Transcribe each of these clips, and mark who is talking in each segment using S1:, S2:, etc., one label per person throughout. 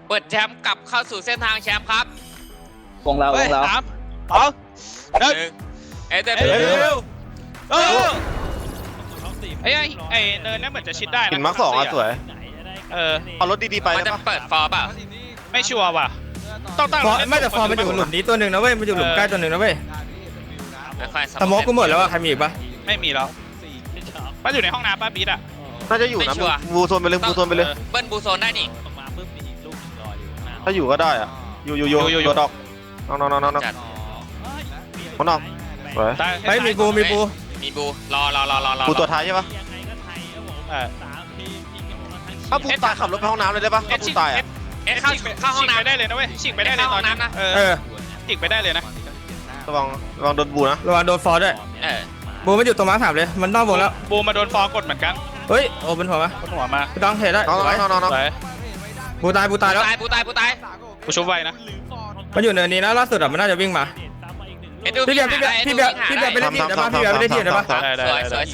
S1: เปิดแชมป์กลับเข้าสู่เส้นทางแชมป์ครับ
S2: วงเรา
S3: 3 2 1
S1: เอเดน
S3: เร็วไอ้เนินนั่นเหมือนจะชิดได้นะ
S4: หินมาร์ค 2อ่ะสวย เอารถดีๆไป
S1: มัน
S4: ได้
S1: จะ
S4: ปะ
S1: เปิดฟอร์เปล่า
S3: ไม่ชัวร์ว่ะต้องตั้ง
S5: ไม่แต่ฟอร์มมันอยู่หลุมนี้ตัวหนึ่งนะเว้ยมันอยู่หลุมใกล้ตัวหนึ่งนะเว้ย
S1: ค่อยๆ
S5: สโมกกูหมดแล้วอะใครมีอีกปะ
S3: ไม่มีแล้วป้าอยู่ในห้องน้ำป้าบีดอ่ะ
S4: น่าจะอยู่นะบูโซนไปเลยบูโซนไปเลย
S1: เบิ้ลบูโซนได้นี่
S4: ถ้าอยู่ก็ได้อ่ะอยู่ตัวดอกน้อง
S1: จัด
S4: คนนอกสวย
S5: เฮ้ยมีปู
S1: มีบูรอ
S4: บูตัวท้ายใช่ปะ
S3: เออ
S4: ถ้าบูตายขับรถไปห้องน้ำเลยได้ปะถ้าบูตายอ่ะ
S1: เอ๊ะเข้าห้อง
S3: ฉีกไป
S1: น้ำ
S3: ได้เลยนะเว้ยฉีกไปได้เลยตอนนั้นนะ
S5: เออ
S3: ฉีกไปได้เลยนะ
S4: ระวังโดนบูนะ
S5: ระวังโดนฟอร์ด้วย บูมันอยู่ตรงม้าถามเลยมันนอกวงแล้ว
S3: บูมาโดนฟอกดเหมือนกัน
S5: เฮ้ยโอ้เป็นหัวมะ
S3: บนหัวมา
S5: พี่ต้องเทได้
S4: น้อง
S5: สวย บูตายแล้ว
S1: บูตาย
S3: กูชุบไว้นะ
S5: มันอยู่เนินนี้นะล่าสุดอะมันน่าจะวิ่งมาพี่เบียร์ไปเล่นทีมได้ปะพี่เบียร์ไปเล่นทีมได้ปะ
S1: สวย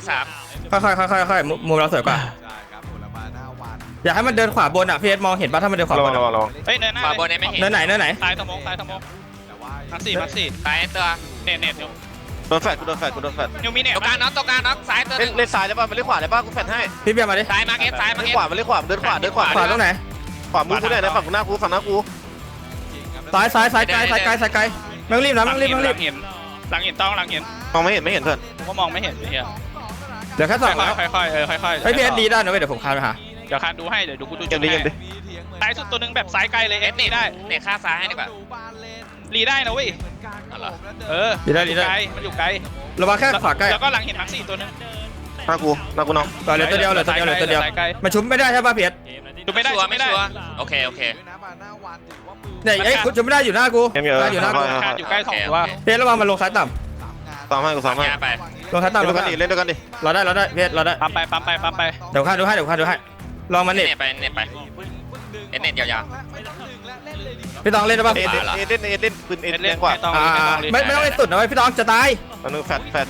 S1: 43
S5: ค่อยมุมเราสวยกว่าอยากให้มันเดินขวาบนอะพี่เอสมองเห็นปะถ้ามันเดินขวาบน
S4: ระวัง
S3: เฮ้ยเนินหน้า
S1: ขวาบนเนี่ยไม่เห็น
S5: เนินไหน
S3: ตายสมองมักสี่
S1: ตายตัว
S3: เน็ต
S4: โดนแฟดกูโดนแฟด
S3: นิวมีเน็ต
S1: ตรงกลางน็อกซ้ายตัว
S4: เล่นซ้ายได้ปะมันเล่นขวาได้ปะกูแฟดให้
S5: พี่เบียร์มาดิ
S1: ซ้ายมาเก็ตซ้ายมา
S4: เล่น
S1: เก็ต
S4: ขวามันเล่นขวาเดินขวา
S5: ขวาตรงไหน
S4: ขวามือกูได้นะฝั่งหน้ากู
S5: ซ้ายไกลไม่ต้องรีบนะไม่ต้องรีบ
S3: หลังเห็น
S4: มองไม่เห็นเพื่อน
S3: ผมก็มองไม่เห็นเฮีย
S5: เดี๋ยวแค่สองแล้ว
S3: ค่อยๆ
S5: เฮ้ยพี่เอสดีได้นะเว้ยเดี๋ยวผมคานไปหา
S3: เดี๋ยวคานดูให้เดี๋ยวกูดู
S4: เกมดิ
S3: ซ้ายสุดตัวนึงแบบซ้ายไกลเลยเอส
S1: เน็
S3: ได้
S1: ตฆ่าซ้ายให้ดีกว่า
S3: รีได้นะเว้ย
S5: ดีได้
S3: ไกลมันอยู่ไกล
S5: ระวังแค่ขวาใกล้
S3: แล้วก็หลังเห็นมักสี่ตัวนึง
S4: หน้ากูน้อง
S5: เหลือตัวเดียวมันชุบไม่ได้ใช่ป่ะพี่เอส
S3: ดูไม่ได้
S1: ไม่ชัวร์โอเค
S5: เนี่ยไอ้คุณชุบไม่ได้อยู่หน้ากู
S4: เกมเยอะ
S5: อยู่หน้ากู
S3: คานอยู่ใกล้สองตัว
S5: พี่เอสระวังมันลงซ้ายต่
S4: ซ้ำให้กูซ้ำให้
S1: ยาไป
S5: ำลงซ้ายต่ำ
S4: เล่นด้วยกันดิเล่นด้วยกันดิ
S5: เราได้พี่เอสเราได้
S3: ปั๊มไป
S5: เดี๋ยวคานดูให้ลองมัน
S1: เน็
S5: นี่
S1: ตไปเน็ตยาว
S5: พี่ต้องเล่นได้ป่ะ
S4: เล่นปืนเอ็นแรงกว่า
S5: ไม่ต้องเล่นสุดนะเว้ยพี่ต้องจะตาย
S4: อันนึงแฟด
S3: ไม่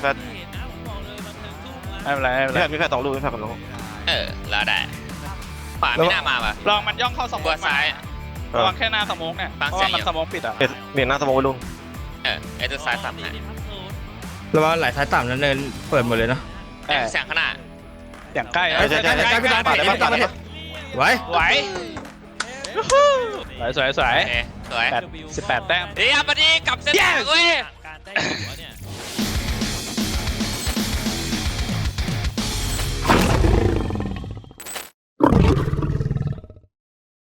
S3: เป็นไร
S4: มีแฟด2 ลูกมีแฟด2 ลูก
S1: แล้วได้ขวาไม่น่ามาป่ะ
S3: ลองมันย่องเข้าสม
S1: บั
S3: อ
S1: ว
S3: ง
S1: ซ้าย
S3: ระวังแค่หน้าสมองเนี่ยเพราะว่ามันสมองปิดอ่ะ
S4: เปลี่ยนหน้าสมองไปลุง
S1: ตัวซ้ายต่ำ
S5: ระวังไหลซ้ายต่ำนั้นเนินเปิดหมดเลยเนาะ
S1: แสงขนาด
S3: อย่างใกล้
S5: ใกล้พี่ต้องไหว
S3: สวย
S1: สวย
S3: 18 แต้ม
S1: ดีครับวันนี้กลับเส้นทางเว้ย